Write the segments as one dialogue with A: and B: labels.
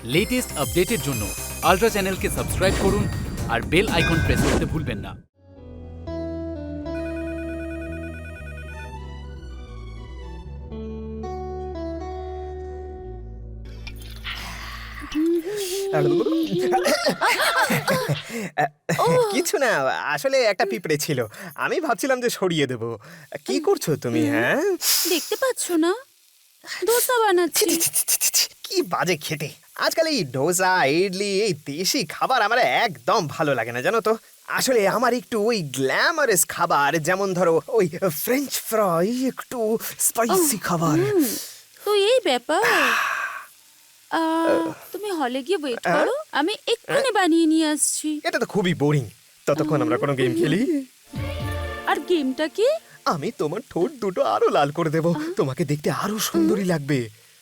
A: Latest আপডেটের জন্য ultra চ্যানেলকে সাবস্ক্রাইব করুন আর বেল আইকন প্রেস করতে ভুলবেন না।
B: কিছু না, আসলে একটা পিঁপড়ে ছিল, আমি ভাবছিলাম যে সরিয়ে দেব। কি করছো তুমি? হ্যাঁ,
C: দেখতে পাচ্ছ না দোসা বানাচ্ছি।
B: কি বাজে খেতে। আজকাল এই ডোসা, ইডলি, এই দেশি খাবার আমার একদম ভালো লাগে না, জানো তো। আসলে আমার একটু ওই গ্ল্যামারাস খাবার, যেমন ধরো ওই ফ্রেঞ্চ ফ্রাই, একটু স্পাইসি খাবার।
C: তো এই ব্যাপার, তুমি হলে গিয়ে ওয়েট করো, আমি এক্ষুনি বানিয়ে নিয়ে আসছি।
B: এটা তো খুবই বোরিং। ততক্ষণ আমরা কোনো গেম খেলি।
C: আর গেমটা কি?
B: আমি তোমার ঠোঁট দুটো আরো লাল করে দেব, তোমাকে দেখতে আরো সুন্দরী লাগবে।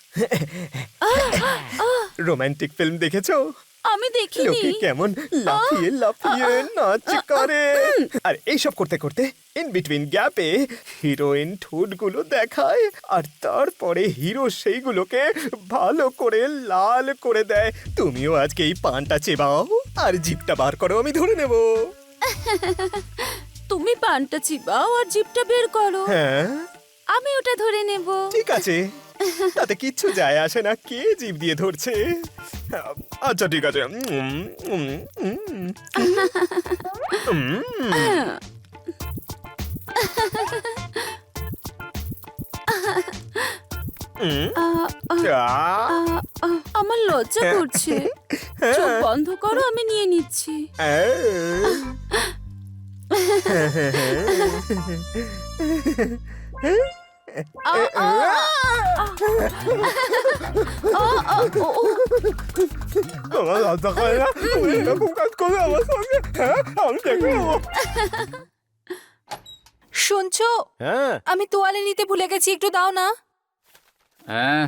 B: রোমান্টিক ফিল্ম দেখেছো?
C: আমি দেখিনি।
B: লোকে কেমন লাফিয়ে লাফিয়ে নাচ করে, আর এইসব করতে করতে ইন বিটুইন গ্যাপে হিরোইন ঠোঁটগুলো দেখায়, আর তারপরে হিরো সেইগুলোকে ভালো করে লাল করে দেয়। তুমিও আজকে এই পানটা চেবাও আর জিভটা বার করো, আমি ধরে নেব।
C: তুমি পানটা চিবাও আর জিভটা বের করো,
B: হ্যাঁ
C: আমি ওটা ধরে নেব।
B: ঠিক আছে, তাতে কিচ্ছু যায় আসে না কে জিভ দিয়ে ধরছে। আচ্ছা ঠিক আছে।
C: আমার লজ্জা করছে, চোখ বন্ধ করো, আমি নিয়ে নিচ্ছি।
B: তোমার লজ্জা করে না? তুমি এরকম কাজ করবে আমার সঙ্গে? হ্যাঁ, আমি দেখে নেবো।
D: শুনছো?
B: হ্যাঁ
D: আমি তোয়ালে নিতে ভুলে গেছি, একটু দাও না।
A: হ্যাঁ,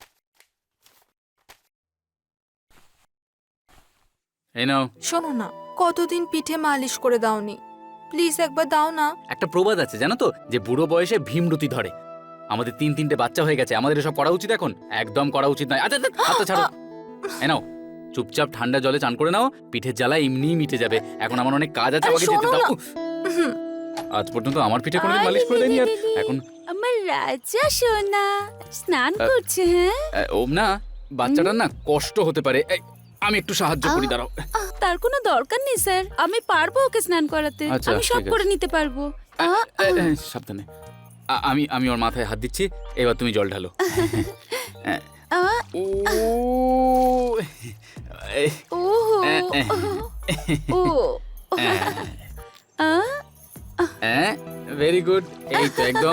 A: এই নাও।
D: শোনো না, কতদিন পিঠে মালিশ করে দাওনি, প্লিজ একবার দাও না।
A: একটা প্রবাদ আছে জানো তো, যে বুড়ো বয়সে ভীমরতি ধরে। আমাদের তিনটে বাচ্চা হয়ে গেছে, আমাদের এসব করা উচিত এখন? একদম করা উচিত নয়। আচ্ছা হাতটা ছাড়ো। এই নাও, চুপচাপ ঠান্ডা জলে চান করে নাও, পিঠের জ্বালা এমনিই মিটে যাবে। এখন আমার অনেক কাজ আছে,
D: আরে
A: আমাকে যেতে
D: শোনো
A: দাও।
D: না।
A: উফ, আজ পর্যন্ত আমার পিঠে কোনোদিন মালিশ করে দেয়নি, আর এখন
C: আমার রাজা সোনা স্নান করছে। হ্যাঁ,
A: ওম না, বাচ্চাটার না কষ্ট হতে পারে। এই, আমি একটু সাহায্য করি, দাঁড়াও।
C: তার কোনো দরকার নেই স্যার, আমি পারবো ওকে স্নান করাতে।
A: আচ্ছা,
C: আমি সব
A: ঠিক আছে।
C: করে নিতে পারবো।
A: সাবধানে। আমি ওর মাথায় হাত দিচ্ছি, এবার তুমি জল ঢালো। ও
C: ও
A: ভেরি গুড, এই তো একদম।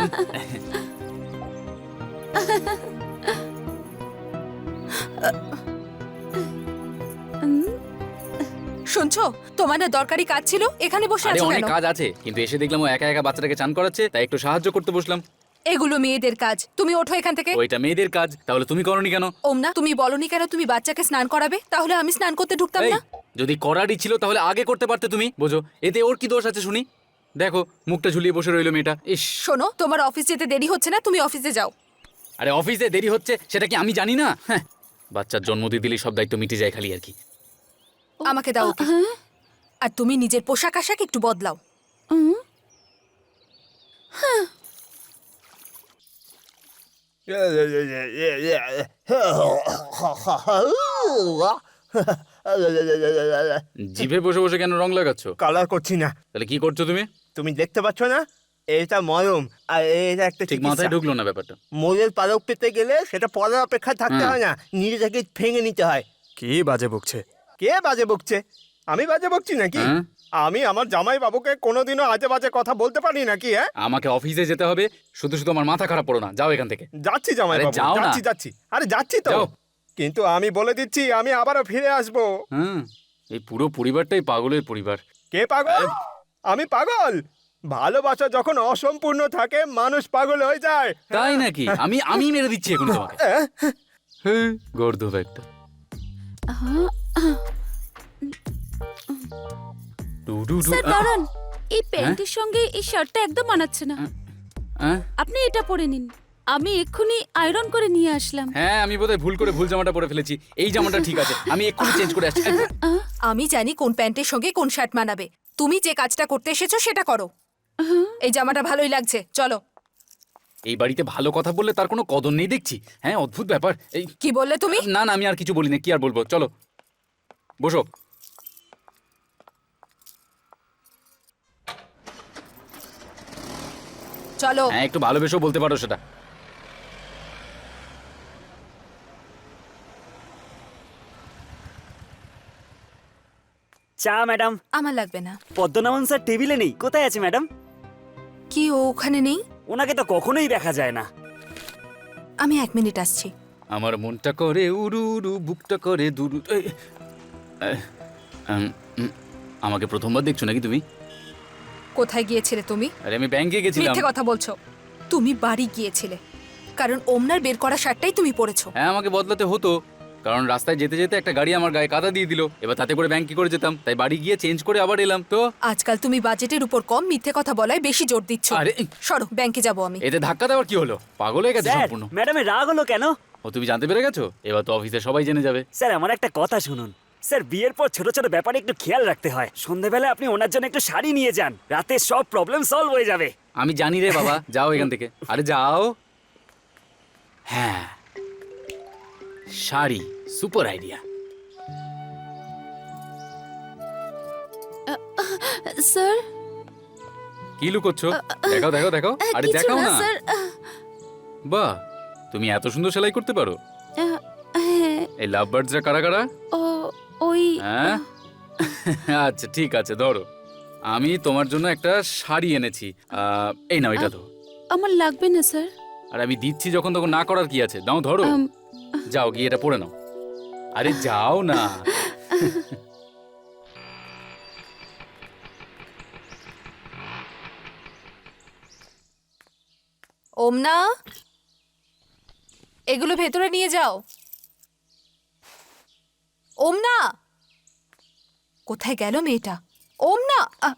D: শুনছো, তোমার না দরকারি কাজ ছিল, এখানে বসে
A: আরে
D: আছো
A: অনেক
D: কেন?
A: কাজ আছে, কিন্তু এসে দেখলাম ও একা একা বাচ্চাটাকে চান করাচ্ছে, তাই একটু সাহায্য করতে বসলাম।
D: এগুলো মেয়েদের কাজ, তুমি ওঠো এখান থেকে।
A: ওইটা মেয়েদের কাজ, তাহলে তুমি করনি কেন?
D: ওমনা, তুমি বলনি কেন তুমি বাচ্চাকে স্নান করাবে? তাহলে আমি স্নান করতে ঢুকতাম
A: এই,
D: না।
A: যদি করারই ছিল তাহলে আগে করতে পারতে তুমি, বোঝো? এতে ওর কি দোষ আছে শুনি? দেখো, মুখটা ঝুলিয়ে বসে রইলো মেয়েটা। ইস,
D: শোনো, তোমার অফিস যেতে দেরি হচ্ছে না, তুমি অফিসে যাও।
A: আরে অফিসে দেরি হচ্ছে সেটা কি আমি জানি না? হ্যাঁ, বাচ্চার জন্ম দিয়ে দিলে সব দায়িত্ব মিটে যায় খালি, আর কি।
D: আমাকে দাও ওকে। আর তুমি নিজের পোশাক আশাক একটু বদলাও।
A: জিভে বসে বসে কেন রং লাগাচ্ছ?
B: কালার করছি না,
A: তাহলে কি করছো তুমি?
B: তুমি দেখতে পাচ্ছ না? এটা মলম, আর এটা একটা
A: ঠিক মাথায় ঢুকলো না ব্যাপারটা।
B: মোলের পালক পেতে গেলে সেটা পরের অপেক্ষা থাকতে
A: হুম।
B: হয় না, নিজে থেকে ভেঙে নিতে হয়।
E: কি বাজে বকছে?
B: কে বাজে বকছে? আমি বাজে বকছি নাকি?
A: হ্যাঁ?
B: আমি আমার জামাই বাবুকে কোনোদিনও আজে বাজে কথা বলতে পারি নাকি? হ্যাঁ,
A: আমাকে অফিসে যেতে হবে, শুধু শুধু আমার মাথা খারাপ করো না, যাও এখান থেকে।
B: যাচ্ছি জামাই
A: আরে
B: বাবু,
A: যাও না।
B: যাচ্ছি। আরে যাচ্ছি তো,
A: যাও।
B: কিন্তু আমি বলে দিচ্ছি আমি আবারও ফিরে আসবো।
A: হ্যাঁ, এই পুরো পরিবারটাই পাগলের পরিবার।
B: কে পাগল? আমি পাগল? ভালোবাসা যখন অসম্পূর্ণ থাকে মানুষ পাগল হয়ে যায়।
A: তাই নাকি? আমি মেরে দিচ্ছি এখন তোমাকে। হ্যাঁ, গর্দভ একটা।
C: স্যার দাঁড়ান, এই প্যান্টের সঙ্গে এই শার্টটা একদম মানাচ্ছে না,
A: হ্যাঁ?
C: আপনি এটা পরে নিন। আমি এক্ষুনি আয়রন করে নিয়ে আসলাম।
A: হ্যাঁ, আমি বোধহয় ভুল করে ভুল জামাটা পরে ফেলেছি। এই জামাটা ঠিক আছে, আমি এক্ষুনি চেঞ্জ করে আসছি।
D: আমি জানি কোন প্যান্টের সঙ্গে কোন শার্ট মানাবে। তুমি যে কাজটা করতে এসেছো সেটা করো। এই জামাটা ভালোই লাগছে, চলো।
A: এই বাড়িতে ভালো কথা বললে তার কোনো কদর নেই দেখছি। হ্যাঁ, অদ্ভুত ব্যাপার। এই
D: কি বললে তুমি?
A: না না, আমি আর কিছু বলি না, কি আর বলবো। চলো বসো।
D: চলো।
A: হ্যাঁ, একটু ভালোবেসেও বলতে পারো সেটা।
E: চা ম্যাডাম।
D: আমার লাগবে না।
E: পদ্মনাভন স্যার টেবিলে নেই, কোথায় আছে ম্যাডাম?
D: কি ও ওখানে নেই?
E: ওনাকে তো কখনোই দেখা যায় না।
D: আমি 1 মিনিট আসছি।
A: আমার মনটা করে উড়ু উড়ু, বুকটা করে দুরু। আমাকে প্রথমবার দেখছো নাকি তুমি?
D: কোথায় গিয়েছিলে তুমি?
A: আরে আমি ব্যাংকে গেছিলাম।
D: মিথ্যে কথা বলছো। তুমি বাড়ি গিয়েছিলে কারণ ওমনার বের করা শার্টটাই তুমি পরেছো।
A: হ্যাঁ, আমাকে বদলাতে হতো, কারণ রাস্তায় যেতে যেতে একটা গাড়ি আমার গায়ে কাদা দিয়ে দিল। এবার তাতে করে ব্যাংক কি করে যেতাম, তাই বাড়ি গিয়ে চেঞ্জ করে আবার এলাম। তো
D: আজকাল তুমি বাজেটের উপর কম মিথ্যে কথা বলায় বেশি জোর দিচ্ছ।
A: আরে
D: সরো, ব্যাংকে যাব আমি।
A: এতে ধাক্কা দেওয়ার কি হলো? পাগল হয়ে গেছে
E: স্যার,
A: সম্পূর্ণ।
E: ম্যাডামের রাগ হলো কেন?
A: ও, তুমি জানতে পেরে গেছো? এবার তো অফিসে সবাই জেনে যাবে।
E: স্যার, আমার একটা কথা শুনুন। স্যার, বিয়ের পর ছোট ছোট ব্যাপারে একটু খেয়াল রাখতে হয়। সন্ধ্যাবেলায় আপনি ওনার জন্য একটু শাড়ি নিয়ে যান, রাতে সব প্রবলেম সলভ হয়ে যাবে।
A: আমি জানি রে বাবা, যাও এখান থেকে। আরে যাও। হ্যাঁ, শাড়ি সুপার আইডিয়া।
C: স্যার,
A: কি লুকোচ্ছ? দেখাও দেখাও দেখাও। আরে
C: কিছু
A: দেখাও
C: না
A: না।
C: স্যার।
A: বাহ, তুমি এত সুন্দর সেলাই করতে পারো।
C: হ্যাঁ,
A: এই লাভ বার্ডসরা কারা কারা?
C: ও ওই
A: হ্যাঁ, আচ্ছা ঠিক আছে, ধরো। আমি তোমার জন্য একটা শাড়ি এনেছি। এই নাও, এটা তো।
C: আমার লাগবে না স্যার।
A: আর আমি দিচ্ছি যখন, তখন না করার কি আছে? দাও, ধরো। যাও গিয়ে এটা পরে নাও। আরে যাও না।
D: ওমনা, এগুলো ভেতরে নিয়ে যাও। ওমনা, কোথায় গেল মেয়েটা? ওমনা,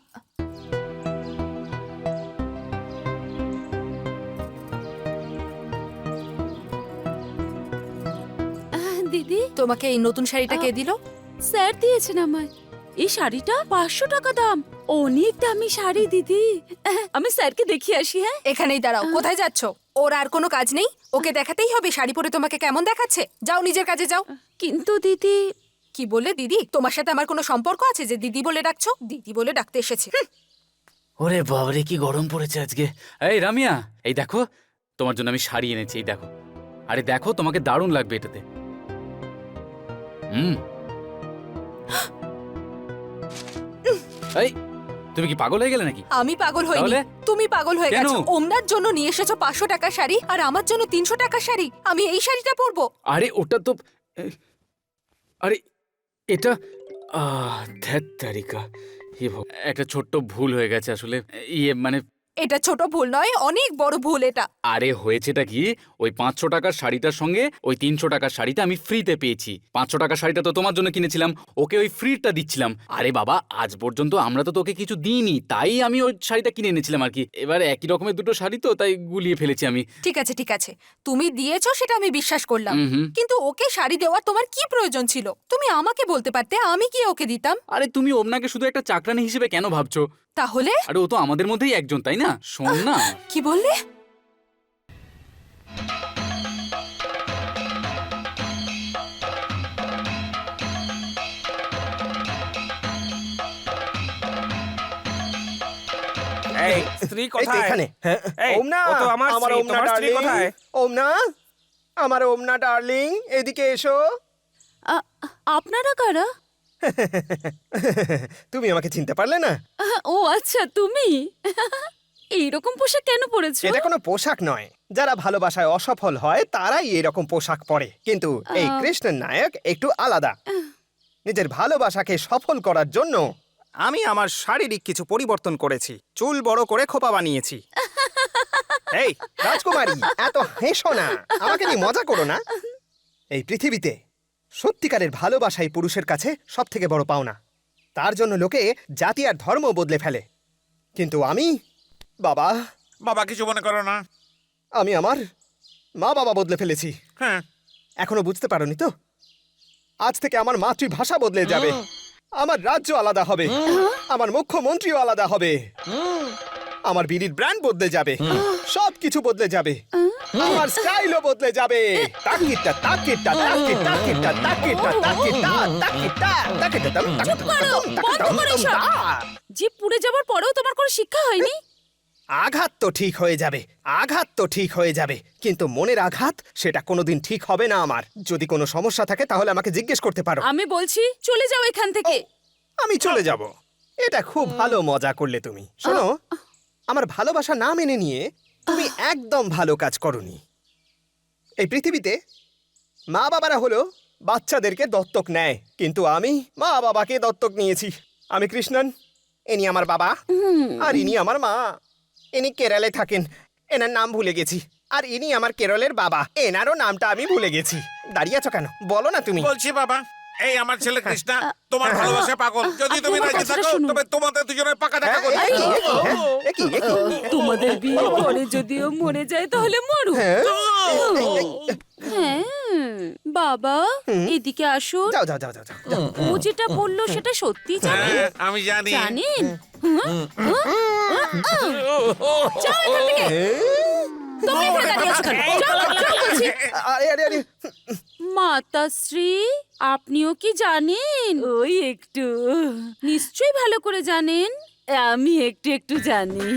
C: দিদি,
D: তোমাকে এই নতুন শাড়িটা কে দিল?
C: স্যার দিয়েছেন আমায়। এই শাড়িটা 500 টাকা দাম। অনেক দামি শাড়ি দিদি। আমি স্যারকে দেখিয়ে আসি। হ্যাঁ,
D: এখানেই দাঁড়াও। কোথায় যাচ্ছ? ওর আর কোনো কাজ নেই? ওকে দেখাতেই হবে শাড়ি পরে তোমাকে কেমন দেখাচ্ছে। যাও, নিজের কাজে যাও।
C: কিন্তু দিদি।
D: কি বললে দিদি? তোমার সাথে আমার কোনো সম্পর্ক আছে যে দিদি বলে ডাকছো? দিদি বলে ডাকতে এসেছে।
A: ওরে বাবারে, কি গরম পড়েছে আজকে। এই রামিয়া, এই দেখো, তোমার জন্য আমি শাড়ি এনেছি। এই দেখো। আরে দেখো, তোমাকে দারুণ লাগবে এটাতে। এই, তুমি কি পাগল হয়ে গেলে নাকি?
D: আমি পাগল হইনি,
A: তাহলে?
D: তুমি পাগল হয়ে
A: কেন?
D: গেছো। ওমনার জন্য নিয়ে এসেছো 500 টাকার শাড়ি আর আমার জন্য 300 টাকার শাড়ি। আমি এই শাড়িটা পরবো।
A: আরে ওটা তো, আরে এটা, ধ্যাৎ তারিকা, একটা ছোট্ট ভুল হয়ে গেছে আসলে। মানে
D: এটা ছোট ভুল নয়, অনেক বড় ভুল এটা।
A: আরে হয়েছেটা কি, ওই 500 টাকার শাড়িটার সঙ্গে ওই 300 টাকার শাড়িটা আমি ফ্রিতে পেয়েছি। 500 টাকার শাড়িটা তো তোমার জন্য কিনেছিলাম, ওকে ওই ফ্রিটা দিচ্ছিলাম। আরে বাবা, আজ পর্যন্ত আমরা তো তোকে কিছু দিইনি, তাই আমি ওই শাড়িটা কিনে এনেছিলাম আর কি। এবার একই রকমের দুটো শাড়ি তো, তাই গুলিয়ে ফেলেছি আমি।
D: ঠিক আছে ঠিক আছে, তুমি দিয়েছো সেটা আমি বিশ্বাস করলাম,
A: হুম।
D: কিন্তু ওকে শাড়ি দেওয়ার তোমার কি প্রয়োজন ছিল? তুমি আমাকে বলতে পারতে, আমি কি ওকে দিতাম?
A: আরে তুমি ওমনাকে শুধু একটা চাকরানি হিসেবে কেন ভাবছো?
D: তাহলে
A: আরে ও তো আমাদের মধ্যেই একজন, তাই না? শোন না।
D: কি বললে?
F: এই স্ত্রী
B: এই তো
F: কোথায়?
B: এখানে। হ্যাঁ,
F: এই,
B: ওমনা,
F: ও তো আমার
B: আমার
F: স্ত্রী,
B: ওমনা
F: তোমার স্ত্রী
B: ডার্লিং।
F: কোথায়?
B: ওমনা, আমার ওমনা ডার্লিং, এদিকে এসো।
C: আপনারা কারা?
B: তুমি আমাকে চিনতে পারলে না?
C: ও আচ্ছা, তুমি। এইরকম পোশাক কেন পরেছো?
B: এটা কোনো পোশাক নয়। যারা ভালোবাসায় অসফল হয় তারাই এরকম পোশাক পরে, কিন্তু এই কৃষ্ণের নায়ক একটু আলাদা। নিজের ভালোবাসাকে সফল করার জন্য
F: আমি আমার শারীরিক কিছু পরিবর্তন করেছি, চুল বড় করে খোপা বানিয়েছি। এই
B: রাজকুমারী, এত হেসো না, আমাকে নিয়ে মজা করো না। এই পৃথিবীতে সত্যিকারের ভালোবাসাই পুরুষের কাছে সব থেকে বড় পাওনা। তার জন্য লোকে জাতি আর ধর্ম বদলে ফেলে, কিন্তু আমি, বাবা,
F: বাবা কিছু মনে করো না।
B: আমি আমার মা বাবা বদলে ফেলেছি।
F: হ্যাঁ
B: এখনো বুঝতে পারোনি তো? আজ থেকে আমার মাতৃভাষা বদলে যাবে, আমার রাজ্য আলাদা হবে, আমার মুখ্যমন্ত্রীও আলাদা হবে, আমার বিড়ির ব্র্যান্ড বদলে যাবে, সবকিছু বদলে যাবে, আমার স্টাইলও বদলে যাবে। তাকিটা তাকিটা তাকিটা তাকিটা তাকিটা তাকিটা তাকিটা তাকিটা দম
C: চুপ করো, বন্ধ করো এসব। জিভ পুড়ে যাবার পরেও তোমার কোনো শিক্ষা হয়নি?
B: আঘাত তো ঠিক হয়ে যাবে, আঘাত তো ঠিক হয়ে যাবে, কিন্তু মনের আঘাত সেটা কোনোদিন ঠিক হবে না আমার। যদি কোনো সমস্যা থাকে তাহলে আমাকে জিজ্ঞেস করতে পারো।
C: আমি বলছি চলে যাও এখান থেকে।
B: আমি চলে যাব। এটা খুব ভালো মজা করলে তুমি। শোনো, আমার ভালোবাসা না মেনে নিয়ে তুমি একদম ভালো কাজ করনি। এই পৃথিবীতে মা বাবারা হলো বাচ্চাদেরকে দত্তক নেয়, কিন্তু আমি মা বাবাকে দত্তক নিয়েছি। আমি কৃষ্ণন, ইনি আমার বাবা, আর ইনি আমার মা। ইনি কেরলে থাকেন, এনার নাম ভুলে গেছি। আর ইনি আমার কেরলের বাবা, এনারও নামটা আমি ভুলে গেছি। দাঁড়িয়ে আছো কেন, বলো না তুমি।
G: বলছি বাবা, এই আমার ছেলে কৃষ্ণা তোমার ভালোবাসা পাগল। যদি তুমি
C: আমার
G: রাজি
C: কথাটা
G: থাকো
C: শুনুন।
G: তবে তোমাদের দুজনের পাকা দেখা করি।
C: তোমাদের বিয়ের পরে যদিও মরে যায় তাহলে মরু। হ্যাঁ বাবা, এদিকে আসুন।
B: যাও যাও যাও যাও যাও।
C: ও যেটা বললো সেটা সত্যি জানেন?
G: হ্যাঁ, আমি জানি।
C: জানেন? যাও এখান থেকে। তুমি এখানে দাঁড়িয়ে আছো কেন? যাও, যাও বলছি।
B: আরে আরে আরে,
C: মাতাশ্রী, আপনিও কি জানেন? ওই একটু, নিশ্চয়ই ভালো করে জানেন। আমি একটু একটু জানি।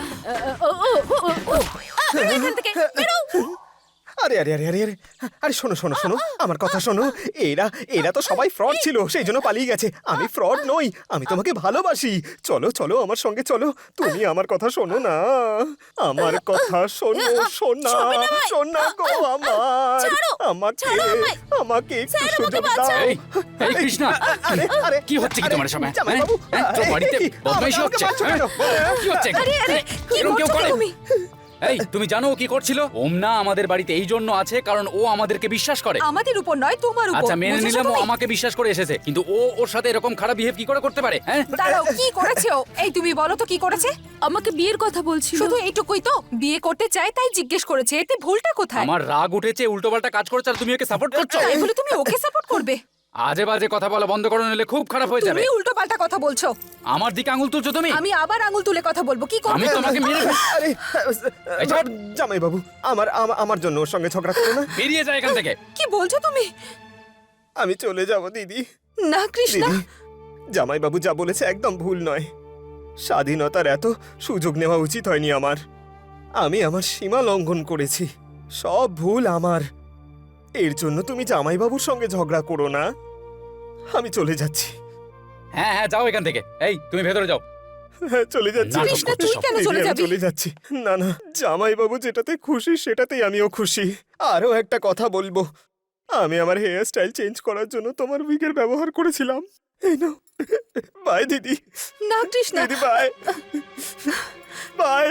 C: বেরো এখান থেকে, বেরো।
B: আরে আরে আরে আরে আরে আরে শোনো শোনো শোনো, আমার কথা শোনো। এরা এরা তো সবাই ফ্রড ছিল, সেই জন্য পালিয়ে গেছে। আমি ফ্রড নই, আমি তোমাকে ভালোবাসি। চলো চলো আমার সঙ্গে চলো। তুমি আমার কথা শোনো না, আমার কথা শোনো। শোনা শোনা গো আমার,
C: ছাড়ো,
B: আমাকে
C: ছাড়ো আমায়।
B: আমাকে একটু
C: স্যার, আমাকে
B: সুযোগ দাও।
C: বাঁচাও।
A: এই এই কৃষ্ণা,
B: আরে আরে
A: কি হচ্ছে কি
B: আরে,
A: তোমার সব?
B: জামাইবাবু,
A: তোর বাড়িতে
B: এই,
A: বদমাইশি
B: আমাকে
A: হচ্ছে?
B: মারছো কেন?
A: কি হচ্ছে?
C: আরে আরে, কি
A: এরকম কেউ
C: করছো
A: করে?
C: তুমি?
A: এই তুমি জানো ও কি করছিল? ওমনা আমাদের বাড়িতে এই জন্য আছে কারণ ও আমাদেরকে বিশ্বাস করে।
D: আমাদের উপর নয়, তোমার উপর।
A: আচ্ছা মেনে
D: বুঝেছো
A: নিলাম ও
D: তুমি?
A: আমাকে বিশ্বাস করে এসেছে, কিন্তু ও ওর সাথে এরকম খারাপ বিহেভ কি করে করতে পারে? হ্যাঁ
D: দাঁড়াও, কি করেছে ও? এই তুমি বলো তো কি করেছে?
C: আমাকে বিয়ের কথা বলছিল।
D: শুধু এইটুকুই তো, বিয়ে করতে চায় তাই জিজ্ঞেস করেছে। এতে ভুলটা কোথায়?
A: আমার রাগ উঠেছে, উল্টোপাল্টা কাজ করছে আর তুমি ওকে সাপোর্ট করছো।
D: তাই বলে তুমি ওকে সাপোর্ট করবে?
A: আজে বাজে কথা বলা বন্ধ করো, নিলে খুব খারাপ হয়ে যাবে।
D: তুমি উল্টো পাল্টা কথা বলছো।
A: আমার দিকে আঙুল তুলছো তুমি।
D: আমি আবার আঙুল তুলে কথা বলবো, কি
A: আমি
D: করবে?
A: তোমাকে মেরে ফেল-
B: আরে
A: এই ছাড়।
B: জামাইবাবু, আমার জন্য ওর সঙ্গে ঝগড়া করো না।
A: বেরিয়ে যায় এখান থেকে।
D: কি বলছো তুমি?
B: আমি চলে যাব দিদি।
D: না কৃষ্ণা,
B: দিদি, জামাইবাবু যা বলেছে একদম ভুল নয়। স্বাধীনতার এত সুযোগ নেওয়া উচিত হয়নি আমার। আমি আমার সীমা লঙ্ঘন করেছি, সব ভুল আমার। এর জন্য তুমি জামাইবাবুর সঙ্গে ঝগড়া করো না। আমি চলে যাচ্ছি।
A: হ্যাঁ হ্যাঁ যাও এখান থেকে। এই তুমি ভেতরে যাও।
B: হ্যাঁ, চলে যাচ্ছি।
A: নাটক
D: কৃষ্ণা,
A: করছে
D: তুই
A: সব।
D: কেন
B: দিদি,
D: চলে
B: আমি
D: যাবি?
B: চলে যাচ্ছি। না না, জামাইবাবু যেটাতে খুশি সেটাতেই আমিও খুশি। আরও একটা কথা বলবো, আমি আমার হেয়ার স্টাইল চেঞ্জ করার জন্য তোমার উইগের ব্যবহার করেছিলাম। এই নাও। বাই দিদি।
D: না কৃষ্ণা।
B: দিদি বাই। বাই।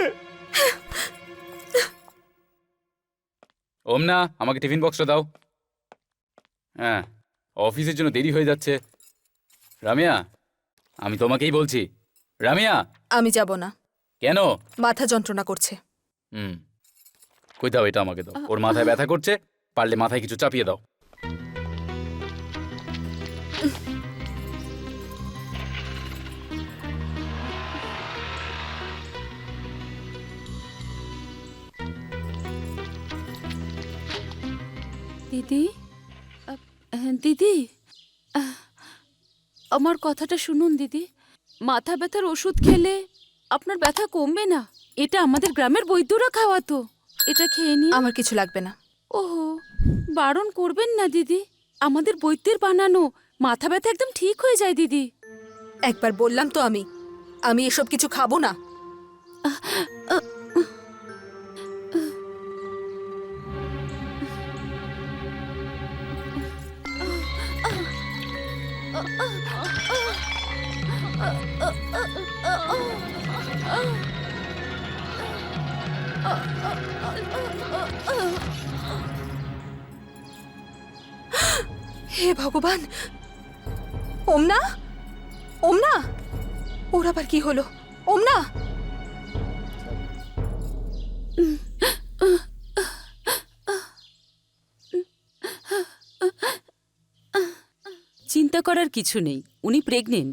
A: ওমনা আমাকে টিফিন বক্সটা দাও। হ্যাঁ অফিসের জন্য দেরি হয়ে যাচ্ছে। রামিয়া, আমি তোমাকেই বলছি। রামিয়া।
D: আমি যাব না,
A: কেন?
D: মাথা যন্ত্রণা করছে।
A: হুম, কই দাও, এটা আমাকে দাও। ওর মাথায় ব্যথা করছে, পারলে মাথায় কিছু চাপিয়ে দাও।
C: দিদি, দিদি, আমার কথাটা শুনুন দিদি। মাথা ব্যথার ওষুধ খেলে আপনার ব্যথা কমবে না। এটা আমাদের গ্রামের বৈদ্যরা খাওয়াতো। এটা খেয়ে নিন।
D: আমার কিছু লাগবে না।
C: ওহো, বারণ করবেন না দিদি। আমাদের বৈদ্যের বানানো, মাথা ব্যথা একদম ঠিক হয়ে যায় দিদি।
D: একবার বললাম তো আমি এসব কিছু খাবো না। হে ভগবান! ওমনা, ওমনা, ওর আবার কি হলো? ওমনা,
C: চিন্তা করার কিছু নেই, উনি প্রেগনেন্ট।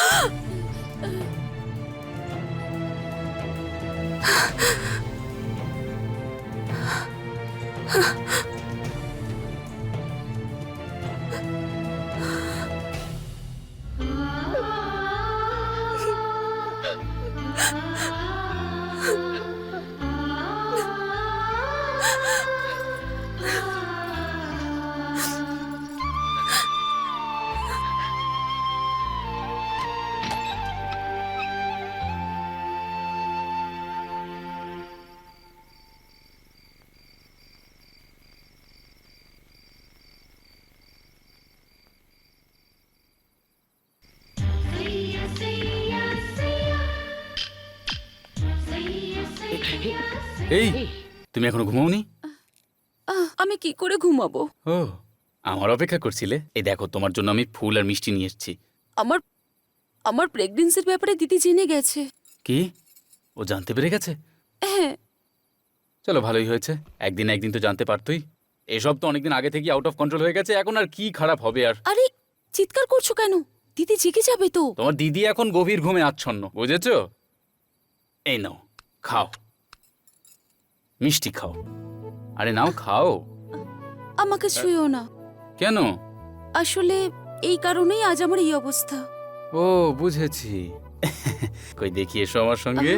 A: এই তুমি এখনো ঘুমাওনি?
C: আমি কি করে ঘুমাবো?
A: ও, আমার অপেক্ষা করছিলে? এই দেখো, তোমার জন্য আমি ফুল আর মিষ্টি নিয়ে এসেছি।
C: আমার আমার প্রেগন্যান্সির ব্যাপারে দিদি জেনে গেছে।
A: কি? ও জানতে পেরে গেছে?
C: হ্যাঁ।
A: চলো, ভালোই হয়েছে। একদিন না একদিন তো জানতে পারতোই। এসব তো অনেকদিন আগে থেকে আউট অফ কন্ট্রোল হয়ে গেছে, এখন আর কি খারাপ হবে আর?
C: আরে চিৎকার করছো কেন? দিদি জেগে যাবে তো।
A: তোমার দিদি এখন গভীর ঘুমে আচ্ছন্ন, বুঝেছো? এই নাও, খাও, মিষ্টি খাও। আরে নাও, খাও।
C: আমাকে ছুঁয়ো না।
A: কেন?
C: আসলে এই কারণেই আজ আমার এই অবস্থা।
A: ও, বুঝেছি। কই দেখি, এসো আমার সঙ্গে।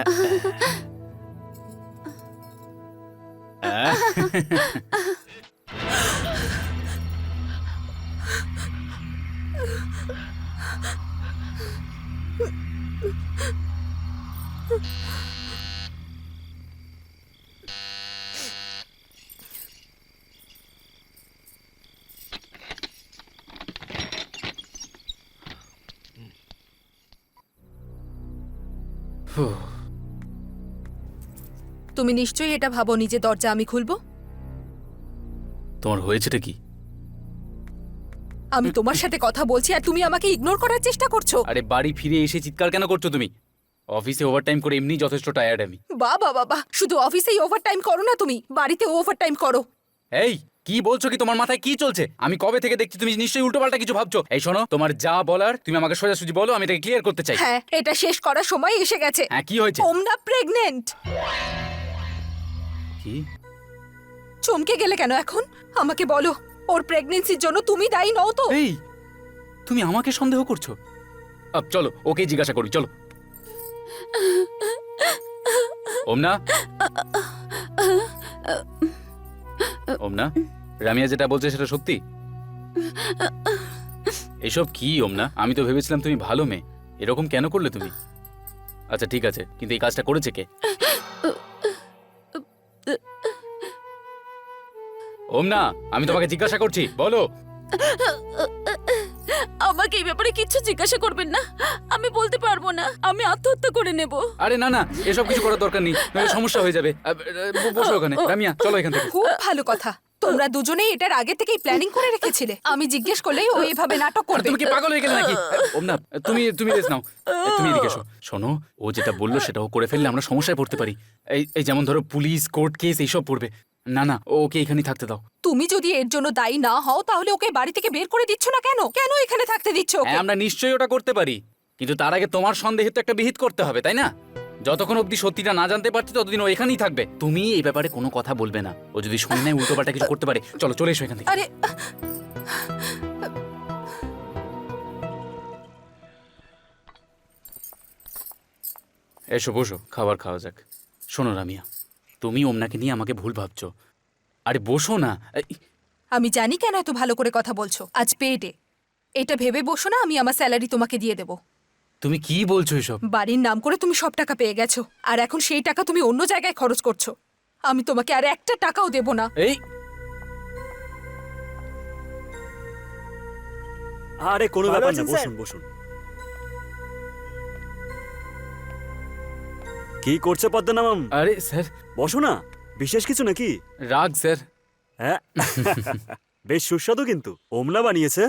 D: তুমি নিশ্চয়ই এটা ভাবোনি যে দরজা আমি খুলবো।
A: তোমার হয়েছেটা কি?
D: আমি তোমার সাথে কথা বলছি আর তুমি আমাকে ইগনোর করার চেষ্টা করছো।
A: আরে বাড়ি ফিরে এসে চিৎকার কেন করছো তুমি? অফিসে ওভারটাইম করে এমনি যথেষ্ট টায়ার্ড আমি।
D: বাবা বাবা, শুধু অফিসেই ওভারটাইম করো না, তুমি বাড়িতে ওভারটাইম করো।
A: এই কি বলছো? কি তোমার মাথায় কি চলছে? আমি কবে থেকে দেখছি তুমি নিশ্চয়ই উল্টোপাল্টা কিছু ভাবছো। এই শোনো, তোমার যা বলার তুমি আমাকে সোজাসুজি বলো, আমি এটাকে ক্লিয়ার করতে চাই।
D: হ্যাঁ, এটা শেষ করার সময় এসে গেছে।
A: হ্যাঁ, কি হয়েছে?
D: ওমনা প্রেগনেন্ট।
A: কি?
D: চমকে গেলে কেন এখন? আমাকে বলো, ওর প্রেগন্যান্সির জন্য তুমি দায়ী নও তো?
A: এই তুমি আমাকে সন্দেহ করছো? আব চলো, ওকে জিজ্ঞাসা করি, চলো। ওমনা, ওমনা, রামিয়া যেটা বলছে সেটা সত্যি? এসব কি ওমনা? আমি তো ভেবেছিলাম তুমি ভালো মেয়ে, এরকম কেন করলে তুমি? আচ্ছা ঠিক আছে, কিন্তু এই কাজটা করেছে কে? ওমনা, আমি তোমাকে জিজ্ঞাসা করছি, বলো।
C: আমাকে এই ব্যাপারে কিচ্ছু জিজ্ঞাসা করবেন না, আমি বলতে পারবো না। আমি আত্মহত্যা করে নেব।
A: আরে না না, এসব কিছু করার দরকার নেই, নইলে সমস্যা হয়ে যাবে। বসো ওখানে। রামিয়া, চলো এখান থেকে।
D: খুব ভালো কথা, তোমরা দুজনেই এটার আগে থেকেই প্ল্যানিং করে রেখেছিলে। আমি জিজ্ঞেস করলেই ও এভাবে নাটক
A: আর
D: করবে।
A: তুমি কি পাগল হয়ে গেলে নাকি? ওমনা, তুমি রেস্ট নাও। তুমি এদিকে এসো। শোনো, ও যেটা বললো সেটা ও করে ফেললে আমরা সমস্যায় পড়তে পারি। এই যেমন ধরো পুলিশ, কোর্ট কেস এইসব পড়বে। না না, ওকে এখানেই থাকতে দাও।
D: তুমি যদি এর জন্য দায়ী না হও তাহলে ওকে বাড়ি থেকে বের করে দিচ্ছ না কেন? কেন এখানে থাকতে দিচ্ছ ওকে?
A: হ্যাঁ, আমরা নিশ্চয়ই ওটা করতে পারি, কিন্তু তার আগে তোমার সন্দেহে তো একটা বিহিত করতে হবে, তাই না? যতক্ষণ অবধি সত্যিটা না জানতে পারছি ততদিন ও এখানেই থাকবে। তুমি এই ব্যাপারে কোনো কথা বলবে না। ও যদি শুনে নেয় উল্টোপাল্টা কিছু করতে পারে। চলো, চলে এসো এখান থেকে।
D: আরে
A: এসো, বসো, খাবার খাওয়া যাক। শোনো রামিয়া, তুমি ওমনাকে নিয়ে আমাকে ভুল ভাবছো। আরে বসো না।
D: আমি জানি কেন এত ভালো করে কথা বলছো। আজ পেডে, এটা ভেবে বসো না আমি আমার স্যালারি তোমাকে দিয়ে দেবো।
A: তুমি কি বলছো এসব?
D: বাড়ির নাম করে তুমি সব টাকা পেয়ে গেছো, আর এখন সেই টাকা তুমি অন্য জায়গায় খরচ করছো। আমি তোমাকে আর একটা টাকাও দেব না।
A: এই
E: আরে কোনো
H: ভালো
E: ব্যাপার না,
H: আছেন, স্যার?
E: বসুন বসুন। কি করছে পদ্মনাভম?
A: আরে স্যার,
E: বসো না, বিশেষ কিছু নাকি?
A: রাগ স্যার।
E: হ্যাঁ। বেশ সুস্বাদু কিন্তু। ওমনা বানিয়েছে।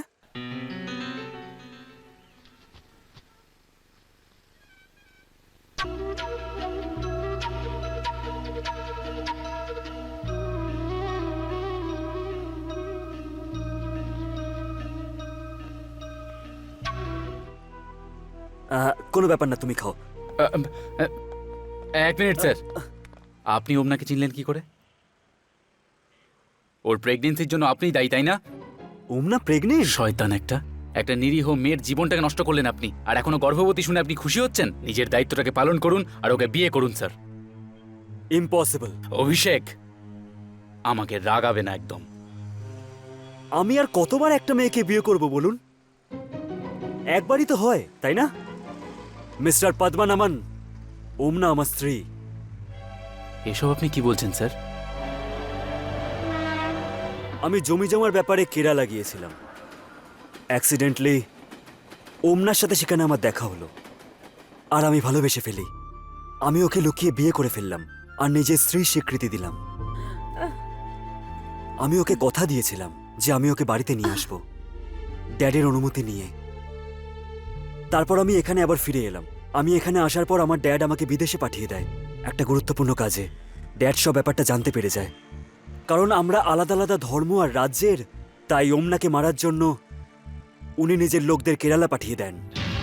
E: কোনো ব্যাপার না, তুমি খাও।
A: এক মিনিট স্যার, আপনি ওমনাকে চিনলেন কি করে? ওর প্রেগনেন্সির জন্য আপনিই দায়ী, তাই না?
E: ওমনা প্রেগনেন্ট?
A: শয়তান একটা একটা নিরীহ মেয়ের জীবনটাকে নষ্ট করলেন আপনি, আর এখনো গর্ভবতী শুনে আপনি খুশি হচ্ছেন? নিজের দায়িত্বটাকে পালন করুন আর ওকে বিয়ে করুন স্যার।
E: ইম্পসিবল।
A: অভিষেক, আমাকে রাগাবে না একদম।
E: আমি আর কতবার একটা মেয়েকে বিয়ে করব বলুন? একবারই তো হয়, তাই না? মিস্টার পদ্মনামন, ওমনা আমার স্ত্রী।
A: এসব আপনি কি বলছেন স্যার?
E: আমি জমি জমার ব্যাপারে কেরালা গিয়েছিলাম। অ্যাক্সিডেন্টলি ওমনার সাথে সেখানে আমার দেখা হলো, আর আমি ভালোবেসে ফেলি। আমি ওকে লুকিয়ে বিয়ে করে ফেললাম আর নিজের স্ত্রীর স্বীকৃতি দিলাম। আমি ওকে কথা দিয়েছিলাম যে আমি ওকে বাড়িতে নিয়ে আসব, ড্যাডের অনুমতি নিয়ে। তারপর আমি এখানে আবার ফিরে এলাম। আমি এখানে আসার পর আমার ড্যাড আমাকে বিদেশে পাঠিয়ে দেয় একটা গুরুত্বপূর্ণ কাজে। ড্যাড সব ব্যাপারটা জানতে পেরে যায়, কারণ আমরা আলাদা আলাদা ধর্ম আর রাজ্যের। তাই ওমনাকে মারার জন্য উনি নিজের লোকদের কেরালা পাঠিয়ে দেন।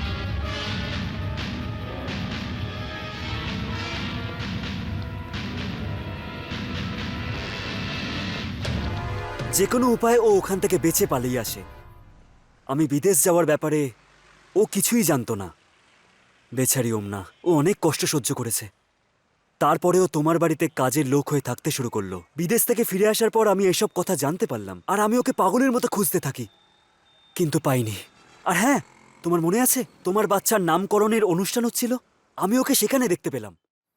E: যে কোনো উপায়ে ও ওখান থেকে বেঁচে পালিয়ে আসে। আমি বিদেশ যাওয়ার ব্যাপারে ও কিছুই জানতো না। বেচারি ওমনা, ও অনেক কষ্ট সহ্য করেছে। তারপরেও তোমার বাড়িতে কাজের লোক হয়ে থাকতে শুরু করলো। বিদেশ থেকে ফিরে আসার পর আমি এসব কথা জানতে পারলাম, আর আমি ওকে পাগলের মতো খুঁজতে থাকি, কিন্তু পাইনি। আর হ্যাঁ, তোমার মনে আছে তোমার বাচ্চার নামকরণের অনুষ্ঠান হচ্ছিল? আমি ওকে সেখানে দেখতে পেলাম।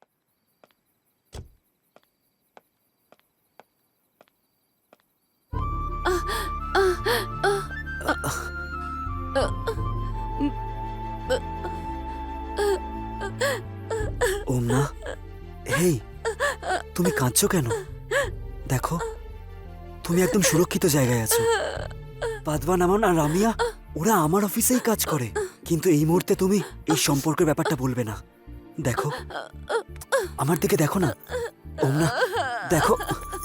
E: ওমনা, হেই, তুমি কাঁদছো কেন? দেখো, তুমি একদম সুরক্ষিত জায়গায় আছো। পদ্মনামন আর রামিয়া ওরা আমার অফিসেই কাজ করে, কিন্তু এই মুহূর্তে তুমি এই সম্পর্কের ব্যাপারটা বলবে না। দেখো, আমার দিকে দেখো না ওমনা, দেখো।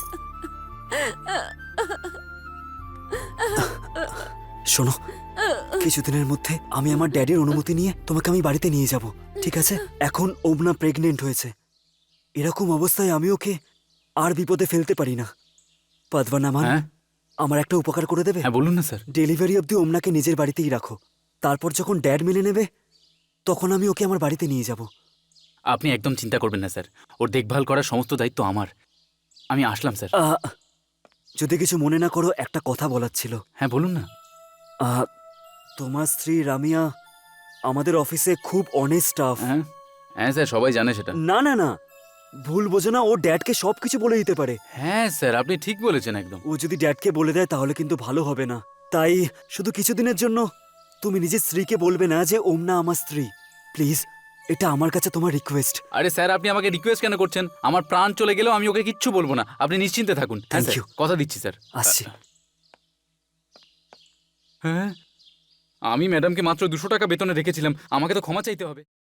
E: শোনো, কিছুদিনের মধ্যে আমি আমার ড্যাডির অনুমতি নিয়ে তোমাকে আমি বাড়িতে নিয়ে যাব, ঠিক আছে? এখন ওমনা প্রেগনেন্ট হয়েছে। এরকম অবস্থায় আমি ওকে আর বিপদে ফেলতে পারি না। পদ্মনামন,
A: হ্যাঁ
E: আমার একটা উপকার করে দেবে?
A: হ্যাঁ, বলুন না স্যার।
E: ডেলিভারি অবধি ওমনাকে নিজের বাড়িতেই রাখো। তারপর যখন ড্যাড মেনে নেবে, তখন আমি ওকে আমার বাড়িতে নিয়ে যাব।
A: আপনি একদম চিন্তা করবেন না স্যার, ওর দেখভাল করার সমস্ত দায়িত্ব আমার। আমি আসলাম স্যার।
E: যদি কিছু মনে না করো, একটা কথা বলার ছিল।
A: হ্যাঁ বলুন না।
E: তোমার স্ত্রী রামিয়া আমাদের অফিসে খুব অনেস্ট স্টাফ।
A: হ্যাঁ হ্যাঁ স্যার, সবাই জানে সেটা।
E: না না না, ভুল বোঝো না, ও ড্যাডকে সবকিছু বলে দিতে পারে।
A: হ্যাঁ স্যার, আপনি ঠিক বলেছেন একদম।
E: ও যদি ড্যাডকে বলে দেয় তাহলে কিন্তু ভালো হবে না। তাই শুধু কিছুদিনের জন্য তুমি নিজের স্ত্রীকে বলবে না যে ওমনা আমার স্ত্রী। প্লিজ, এটা আমার কাছে তোমার রিকোয়েস্ট।
A: আরে স্যার, আপনি আমাকে রিকোয়েস্ট কেন করছেন? আমার প্রাণ চলে গেলেও আমি ওকে কিচ্ছু বলবো না, আপনি নিশ্চিন্তে থাকুন। হ্যাঁ
E: Thank
A: স্যার,
E: you.
A: কথা দিচ্ছি স্যার।
E: আসছি।
A: হ্যাঁ, আমি ম্যাডামকে মাত্র 200 টাকা বেতনে রেখেছিলাম, আমাকে তো ক্ষমা চাইতে হবে।